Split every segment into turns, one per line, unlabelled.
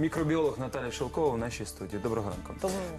Микробиолог Наталья Шелкова в нашей студии. Доброго ранку.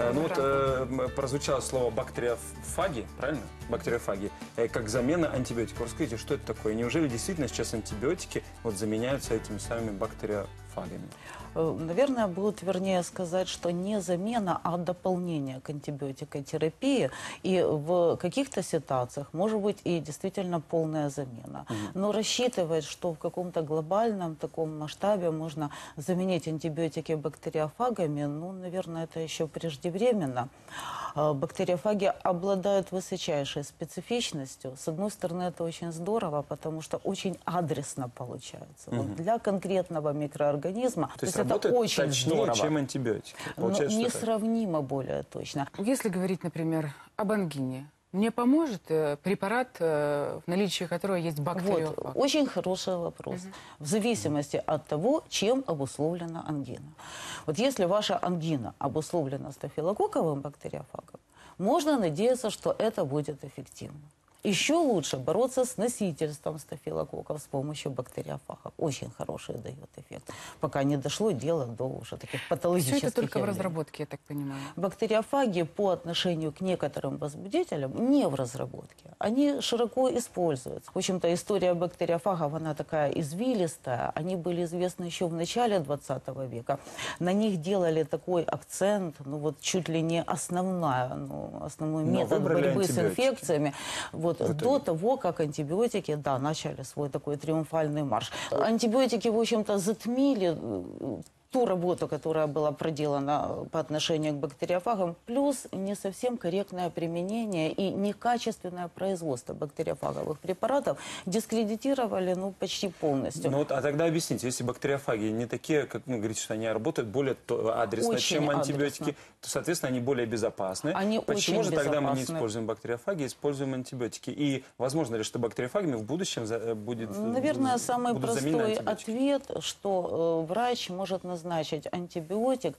Прозвучало слово бактериофаги, правильно? Бактериофаги. Как замена антибиотиков. Расскажите, что это такое? Неужели действительно сейчас антибиотики заменяются этими самыми бактериофагами?
Наверное, будет вернее сказать, что не замена, а дополнение к антибиотикотерапии. И в каких-то ситуациях может быть и действительно полная замена. Но рассчитывать, что в каком-то глобальном таком масштабе можно заменить антибиотики бактериофагами, ну, наверное, это еще преждевременно. Бактериофаги обладают высочайшей специфичностью. С одной стороны, это очень здорово, потому что очень адресно получается. Вот для конкретного микроорганизма.
То есть это очень точнее,
здорово,
чем антибиотики.
Несравнимо более точно.
Если говорить, например, об ангине, мне поможет препарат, в наличии которого есть бактериофаг?
Вот, очень хороший вопрос. В зависимости от того, чем обусловлена ангина. Вот если ваша ангина обусловлена стафилококковым бактериофагом, можно надеяться, что это будет эффективно. Еще лучше бороться с носительством стафилококков с помощью бактериофагов. Очень хороший дает эффект. Пока не дошло дело до уже таких патологических
Все это только
явлений.
в разработке, я так понимаю.
Бактериофаги по отношению к некоторым возбудителям не в разработке. Они широко используются. В общем-то, история бактериофагов, она такая извилистая. Они были известны еще в начале 20 века. На них делали такой акцент, ну вот чуть ли не основной метод борьбы с инфекциями. Вот, до того, как антибиотики, да, начали свой такой триумфальный марш. Антибиотики, в общем-то, затмили ту работу, которая была проделана по отношению к бактериофагам, плюс не совсем корректное применение и некачественное производство бактериофаговых препаратов дискредитировали, ну, почти полностью.
Ну, а тогда объясните, если бактериофаги не такие, как вы говорите, что они работают более адресно,
Очень
чем антибиотики,
адресно.
то, соответственно, они более безопасны.
Они
Почему
очень
же тогда мы не
безопасны.
используем бактериофаги, используем антибиотики? И возможно ли, что бактериофагами в будущем
Наверное, самый
будут заменены
простой
антибиотики?
ответ, что врач может назначить антибиотик,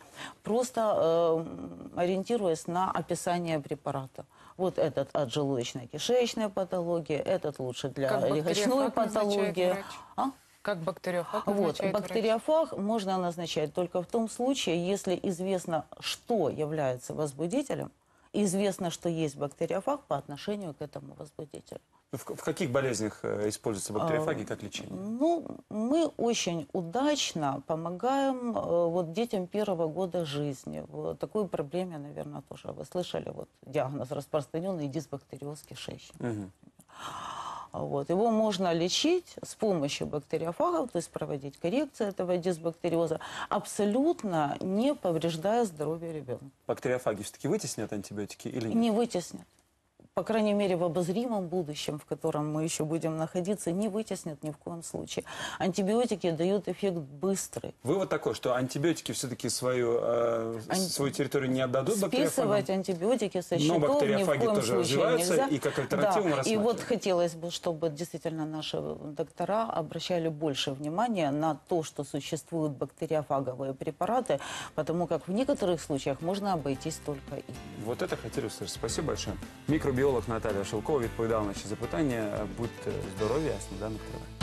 просто ориентируясь на описание препарата. Вот этот от желудочно-кишечной патологии, этот лучше для легочной патологии.
Как бактериофаг
Вот,
назначает
бактериофаг можно назначать только в том случае, если известно, что является возбудителем, и известно, что есть бактериофаг по отношению к этому возбудителю.
В каких болезнях используются бактериофаги как лечение?
Ну, мы очень удачно помогаем вот детям первого года жизни. В такой проблеме, наверное, тоже вы слышали, вот диагноз распространенный дисбактериоз кишечника. Вот. Его можно лечить с помощью бактериофагов, то есть проводить коррекцию этого дисбактериоза, абсолютно не повреждая здоровье ребенка.
Бактериофаги все-таки вытеснят антибиотики или нет?
Не вытеснят. По крайней мере, в обозримом будущем, в котором мы еще будем находиться, не вытеснят ни в коем случае. Антибиотики дают эффект быстрый.
Вывод такой, что антибиотики все-таки свою территорию не отдадут бактериофагам?
Списывать антибиотики со счетов
но бактериофаги
ни в коем
тоже
случае
развиваются,
нельзя.
и как альтернативу мы
И
рассматриваем.
вот хотелось бы, чтобы действительно наши доктора обращали больше внимания на то, что существуют бактериофаговые препараты, потому как в некоторых случаях можно обойтись только ими.
Вот это хотели услышать. Спасибо большое. Микробіолог Наталія Шелкова відповідала на наші запитання. Будьте здорові, а сніданок триває.